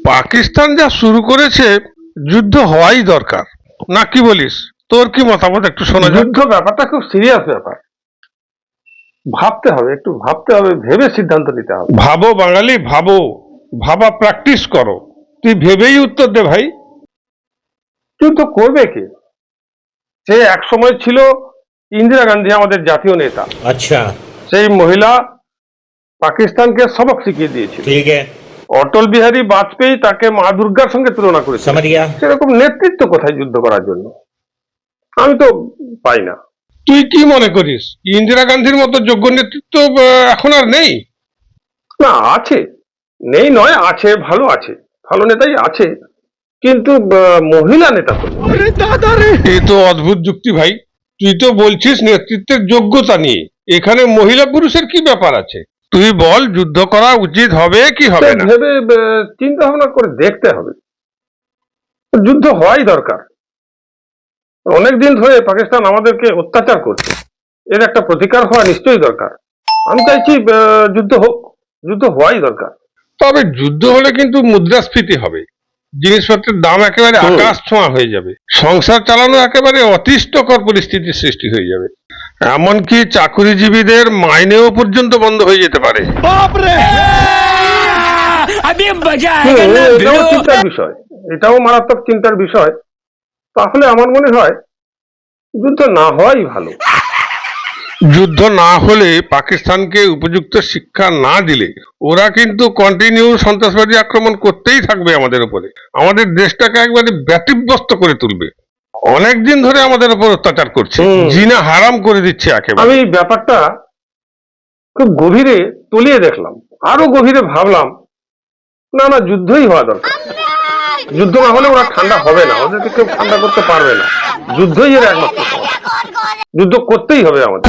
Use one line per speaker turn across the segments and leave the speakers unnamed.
পাকিস্তান যা শুরু করেছে, যুদ্ধ হওয়াই দরকার, না কি বলিস? তোর কি মতামত একটু শোনা যাক।
যুদ্ধ ব্যাপারটা খুব সিরিয়াস ব্যাপার, ভাবতে হবে, একটু ভাবতে হবে, ভেবে সিদ্ধান্ত নিতে হবে।
ভাবো বাঙালি, ভাবো, ভাবা প্র্যাকটিস করো। তুই ভেবেই উত্তর দে ভাই।
যুদ্ধ করবে কে? সে এক সময় ছিল ইন্দিরা গান্ধী, আমাদের জাতীয় নেতা।
अच्छा,
সেই মহিলা পাকিস্তানকে সবক শিখিয়ে দিয়েছিল।
ठीक है,
অটল বিহারী বাজপেয়ী তাকে মা দুর্গার সঙ্গে তুলনা করেছে।
समझ गया।
সেরকম নেতৃত্ব কোথায় যুদ্ধ করার জন্য? আমি তো পাই না।
তুই কি মনে করিস, ইন্দিরা গান্ধীর মতো যোগ্য নেতৃত্ব এখন আর নেই?
না, আছে, নেই নয়, আছে, ভালো আছে, ভালো নেতাই আছে, কিন্তু মহিলা নেতা তো নেই।
এ তো অদ্ভুত যুক্তি ভাই। তুই তো বলছিস নেতৃত্বের যোগ্যতা নিয়ে, এখানে মহিলা পুরুষের কি ব্যাপার আছে? তুই বল, যুদ্ধ করা উচিত হবে কি হবে না?
ভেবে চিন্তা ভাবনা করে দেখতে হবে। যুদ্ধ হওয়াই দরকার। অনেকদিন ধরে পাকিস্তান আমাদেরকে অত্যাচার করছে, এর একটা প্রতিকার হওয়া নিশ্চয়ই দরকার। আমি চাইছি যুদ্ধ হোক, যুদ্ধ হওয়াই দরকার।
তবে যুদ্ধ হলে কিন্তু মুদ্রাস্ফীতি হবে, জিনিসপত্রের দাম একেবারে আকাশ ছোঁয়া হয়ে যাবে, সংসার চালানো একেবারে অতিষ্ঠকর পরিস্থিতির সৃষ্টি হয়ে যাবে, এমনকি চাকুরিজীবীদের মাইনেও পর্যন্ত বন্ধ হয়ে যেতে পারে।
এটাও চিন্তার বিষয়, এটাও মারাত্মক চিন্তার বিষয়। তাহলে আমার মনে হয় যুদ্ধ না হওয়াই ভালো।
যুদ্ধ না হলে, পাকিস্তানকে উপযুক্ত শিক্ষা না দিলে, ওরা কিন্তু কন্টিনিউ সন্ত্রাসবাদী আক্রমণ করতেই থাকবে আমাদের উপরে, আমাদের দেশটাকে একবারে ব্যতিব্যস্ত করে তুলবে। অনেকদিন ধরে আমাদের উপর অত্যাচার করছে, জিনা হারাম করে দিচ্ছে একেবারে।
আমি ব্যাপারটা খুব গভীরে তলিয়ে দেখলাম, আরো গভীরে ভাবলাম, না না, যুদ্ধই হওয়া দরকার। যুদ্ধ না হলে ওরা ঠান্ডা হবে না, ওদেরকে কেউ ঠান্ডা করতে পারবে না। যুদ্ধই এর একমাত্র সমাধান। যুদ্ধ করতেই হবে আমাদের।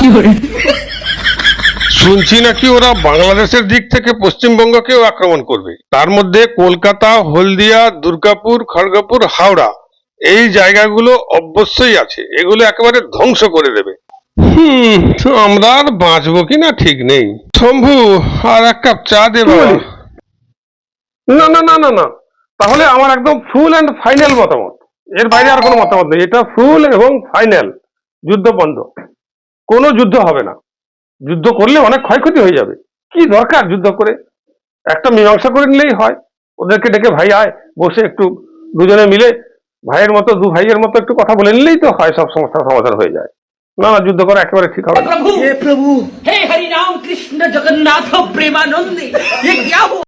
শুনছি নাকি ওরা বাংলাদেশের দিক থেকে পশ্চিমবঙ্গকেও আক্রমণ করবে, তার মধ্যে কলকাতা, হলদিয়া, দুর্গাপুর, খড়গপুর, হাওড়া, এই জায়গাগুলো অবশ্যই আছে, এগুলো একেবারে ধ্বংস করে দেবে। আমরা আর বাঁচবো কিনা ঠিক নেই। শম্ভু, আর এক কাপ চা দে বাবা।
না না না না না, তাহলে আমার একদম ফুল অ্যান্ড ফাইনাল মতামত, এর বাইরে আর কোনো মতামত নেই। এটা ফুল এবং ফাইনাল, যুদ্ধ বন্ধ, কোনো যুদ্ধ হবে না। যুদ্ধ করলে অনেক ক্ষয়ক্ষতি হয়ে যাবে, কি দরকার যুদ্ধ করে? একটা মীমাংসা করে নিলেই হয়। ওদেরকে ডেকে, ভাই আয়, বসে একটু দুজনে মিলে ভাইয়ের মতো, দু ভাইয়ের মতো একটু কথা বলে নিলেই তো হয়, সব সমস্যার সমাধান হয়ে যায়। না না, যুদ্ধ করা একেবারে ঠিক হবে না।
प्रभु हे हरि राम कृष्ण जगन्नाथ प्रेमानंद, ये क्या हुआ?